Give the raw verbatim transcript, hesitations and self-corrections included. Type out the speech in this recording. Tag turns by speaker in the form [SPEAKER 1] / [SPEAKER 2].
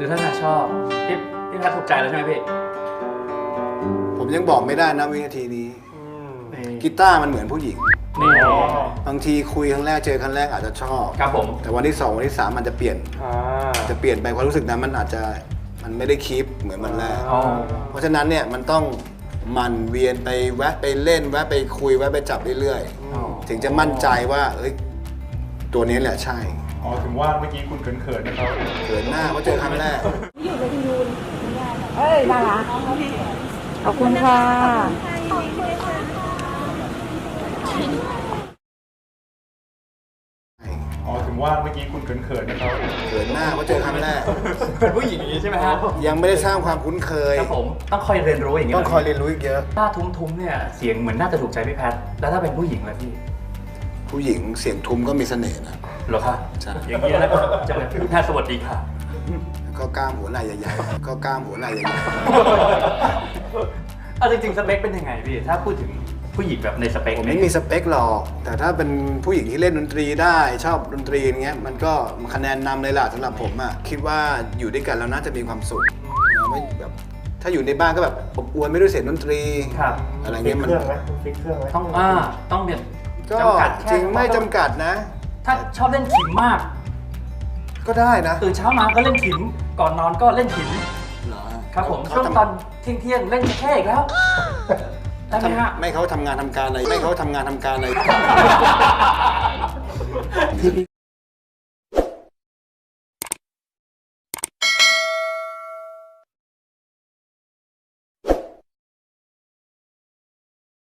[SPEAKER 1] ดูท่าทางชอบพี่พี่แพทถูกใจแล้วใช่ไหมพี่
[SPEAKER 2] ผมยังบอกไม่ได้นะวินาทีนี้กีตาร์มันเหมือนผู้หญิง
[SPEAKER 1] นี่
[SPEAKER 2] บางทีคุยครั้งแรกเจอครั้งแรกอาจจะชอบ
[SPEAKER 1] ครับผม
[SPEAKER 2] แต่วันที่สองวันที่สามมันจะเปลี่ยนจะเปลี่ยนไปความรู้สึกนั้นมันอาจจะมันไม่ได้คีปเหมือนมันแรกเพราะฉะนั้นเนี่ยมันต้องมันเวียนไปแวะไปเล่นแวะไปคุยแวะไปจับเรื่อยๆถึงจะมั่นใจว่าเอ้ยตัวนี้แหละใช่
[SPEAKER 3] อ๋อถึงว่าเมื่อกี้คุณเขินๆนะครับ
[SPEAKER 2] เขินหน้าเพราะเจอครั้งแรก
[SPEAKER 4] อยู่เลยคุณยูนเอ้ยน่ารักขอบคุณค่ะ
[SPEAKER 3] อ๋อถึงว่าเมื่อกี้คุณเขินๆนะครับ
[SPEAKER 2] เขินหน้าเพราะเจอครั้งแรก
[SPEAKER 1] เป็นผู้หญิงอย่างนี้ใช่ไหมฮะ
[SPEAKER 2] ยังไม่ได้สร้างความคุ้นเคย
[SPEAKER 1] ครับผมต้องคอยเรียนรู้อย่างนี้
[SPEAKER 2] ต้องคอยเรียนรู้อีกเยอะ
[SPEAKER 1] หน้าทุ้มๆเนี่ยเสียงเหมือนน่าจะถูกใจพี่แพทแล้วถ้าเป็นผู้หญิงล่ะพี่
[SPEAKER 2] ผู้หญิงเสียงทุ้มก็มีเสน่ห์นะ
[SPEAKER 1] เหรอคะ
[SPEAKER 2] ใช่
[SPEAKER 1] อย่างนี้นะครับจะเป็นพี่แพทสวัสดีค่ะ
[SPEAKER 2] ก็กล้ามหัวไหล่ใหญ่ๆก็กล้ามหัวไหล่ใหญ่
[SPEAKER 1] ๆเอาจริงๆสเปคเป็นยังไงพี่ถ้าพูดถึงผู้หญิงแบบในสเปค
[SPEAKER 2] ผมไม่มีสเปคหรอกแต่ถ้าเป็นผู้หญิงที่เล่นดนตรีได้ชอบดนตรีอย่างเงี้ยมันก็คะแนนนำเลยล่ะสำหรับผมอ่ะคิดว่าอยู่ด้วยกันแล้วน่าจะมีความสุขไม่แบบถ้าอยู่ในบ้านก็แบบอบอวลไม่ด้วยเสียงดนตรีอะไรเงี้ยมัน
[SPEAKER 3] ฟิกเครื่องไหม
[SPEAKER 1] ต้องอ่าต้องเนี่ย
[SPEAKER 2] ก็จริงไม่จำกัดนะ
[SPEAKER 1] ถ้าชอบเล่นขิมมาก
[SPEAKER 2] ก็ได้นะ
[SPEAKER 1] ตื่นเช้ามาก็เล่นขิมก่อนนอนก็เล่นขิมครับผมช่วงตอนเที่ยงเที่ยงเล่นแค่อีกแล้วได้ไหมฮะ
[SPEAKER 2] ไม่เขาทำงานทำการอะไรไม่เขาทำงานทำการอะไร